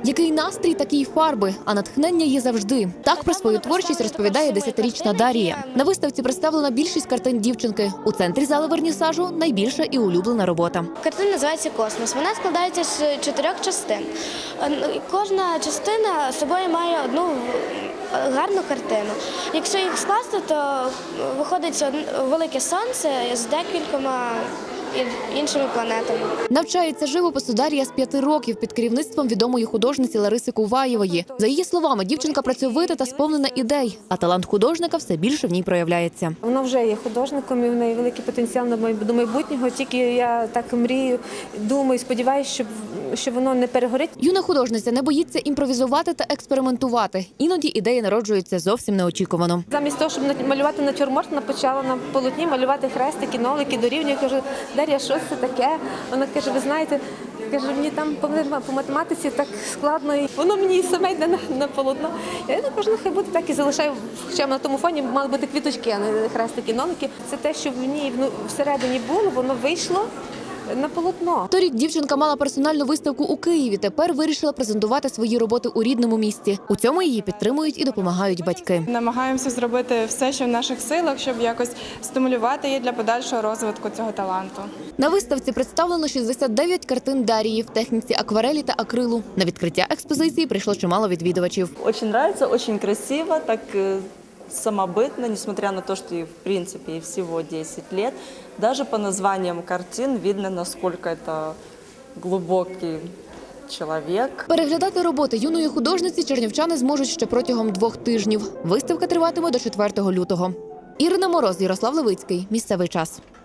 Який настрій, такі й фарби, а натхнення є завжди. Так про свою творчість розповідає 10-річна Дарія. На виставці представлена більшість картин дівчинки. У центрі зали вернісажу найбільша і улюблена робота. Картина називається «Космос». Вона складається з 4 частин. Кожна частина з собою має одну гарну картину. Якщо їх скласти, то виходить велике сонце з декількома іншими планетами. Навчається живопису Дар'я з 5 років під керівництвом відомої художниці Лариси Куваєвої. За її словами, дівчинка працьовита та сповнена ідей, а талант художника все більше в ній проявляється. Вона вже є художником і в неї великий потенціал до майбутнього. Тільки я так мрію, думаю, сподіваюся, що воно не перегорить. Юна художниця не боїться імпровізувати та експериментувати. Іноді ідеї народжуються зовсім неочікувано. Замість того, щоб малювати натюрморт, вона почала на полотні малювати хрестики, нолики, дорівнює. Я кажу: Дар'я, що це таке? Вона каже: ви знаєте, каже, мені там по математиці так складно, і воно мені саме йде на полотно. Я кажу: ну хай буде так, і залишаю, хоча на тому фоні мали бути квіточки, а не хрестики, нолики. Це те, що в ній всередині було, воно вийшло на полотно. Торік дівчинка мала персональну виставку у Києві. Тепер вирішила презентувати свої роботи у рідному місті. У цьому її підтримують і допомагають батьки. Намагаємося зробити все, що в наших силах, щоб якось стимулювати її для подальшого розвитку цього таланту. На виставці представлено 69 картин Дарії в техніці акварелі та акрилу. На відкриття експозиції прийшло чимало відвідувачів. Очень нравится, очень красиво, так самобытно, несмотря на то, что ей, в принципе, ей всего 10 лет. Даже по названиям картин видно, насколько это глубокий чоловік. Переглядати роботи юної художниці чернівчани зможуть ще протягом 2 тижнів. Виставка триватиме до 4 лютого. Ірина Мороз, Ярослав Левицький. Місцевий час.